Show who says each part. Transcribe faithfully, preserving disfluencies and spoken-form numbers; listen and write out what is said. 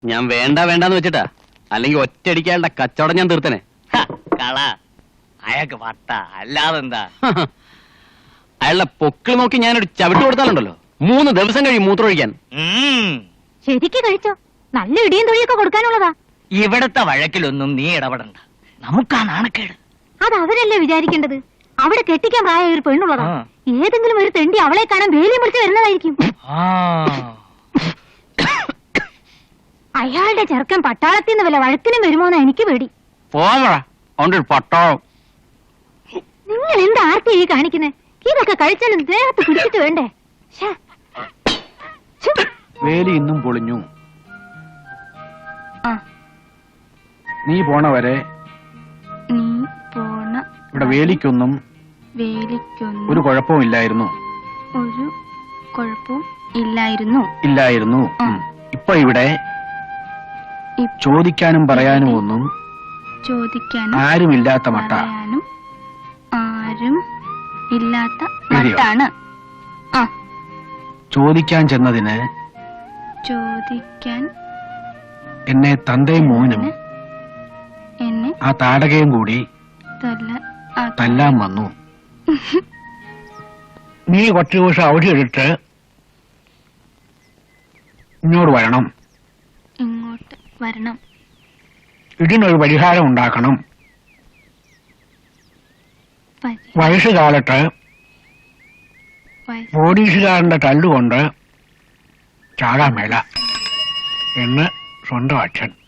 Speaker 1: ഞാൻ വേണ്ട വേണ്ടെന്ന് വെച്ചിട്ടാ, അല്ലെങ്കിൽ ഒറ്റയടിക്കാളുടെ കച്ചവടം ഞാൻ തീർത്തനെ.
Speaker 2: കള അയാൾക്ക് വട്ട അല്ലാതെന്താ?
Speaker 1: അയാളുടെ പൊക്കിൾ നോക്കി ഞാനൊരു ചവിട്ട് കൊടുത്താലുണ്ടല്ലോ, മൂന്ന് ദിവസം കഴിയും മൂത്രമൊഴിക്കാൻ.
Speaker 3: ശരിക്ക് കഴിച്ചോ? നല്ല ഇടിയും തൊഴിയൊക്കെ കൊടുക്കാനുള്ളതാ.
Speaker 2: ഇവിടത്തെ വഴക്കിലൊന്നും നീ ഇടപെടണ്ട, നമുക്കാ നാണക്കേട്.
Speaker 3: അത് അവരല്ലേ വിചാരിക്കേണ്ടത്. അവിടെ കെട്ടിക്കാൻ പ്രായ ഒരു പെണ്ണുള്ളതാ. ഏതെങ്കിലും ഒരു തെണ്ടി അവളെ കാണാൻ വേലി മുറിച്ച് വരുന്നതായിരിക്കും. അയാളുടെ ചെറുക്കൻ പട്ടാളത്തിൽ നിന്ന് വല്ല വഴക്കിനും വരുമോന്നാ എനിക്ക് പേടി.
Speaker 1: പട്ടാളം
Speaker 3: നിങ്ങൾ എന്താ ആർത്തി ഈ കാണിക്കുന്നേ? ഇതൊക്കെ കഴിച്ചാലും ദേഹത്ത് പിടിച്ചിട്ട് വേണ്ടേ?
Speaker 4: വേലി ഇന്നും പൊളിഞ്ഞു.
Speaker 3: ആ,
Speaker 4: നീ പോണ വരെ
Speaker 3: നീ പോണ
Speaker 4: ഇവിടെ വേലിക്കൊന്നും
Speaker 3: വേലിക്കൊന്നും
Speaker 4: ഒരു കുഴപ്പവും ഇല്ലായിരുന്നു.
Speaker 3: ഒരു കുഴപ്പവും ഇല്ലായിരുന്നു
Speaker 4: ഇല്ലായിരുന്നു
Speaker 3: ഉം.
Speaker 4: ഇപ്പൊ ഇവിടെ
Speaker 3: ഇപ്പ-
Speaker 4: ചോദിക്കാനും പറയാനും ഒന്നും
Speaker 3: ചോദിക്കാനും
Speaker 4: ആരുമില്ലാത്ത മട്ട.
Speaker 3: പറയാനും ആരും ഇല്ലാത്ത
Speaker 4: ശരിയോ?
Speaker 3: മട്ടാണ്. ആ,
Speaker 4: ചോദിക്കാൻ ചെന്നതിന്
Speaker 3: ചോദിക്കാൻ
Speaker 4: എന്നെ തന്തയും മോനും
Speaker 3: എന്നെ
Speaker 4: ആ താടകയും കൂടി
Speaker 3: തല്ല ആ,
Speaker 4: തല്ലാൻ വന്നു. നീ കുറച്ചു ദിവസം അവധി എടുത്ത് ഇങ്ങോട്ട് വരണം.
Speaker 3: ഇങ്ങോട്ട് വരണം.
Speaker 4: ഇതിനൊരു പരിഹാരം ഉണ്ടാക്കണം.
Speaker 3: പരി-
Speaker 4: വയസ്സുകാലത്ത്
Speaker 3: വയസ്സ്
Speaker 4: പോലീസുകാരന്റെ തല്ലുകൊണ്ട് ചാകാൻ മേല എന്ന് സ്വന്തം അച്ഛൻ.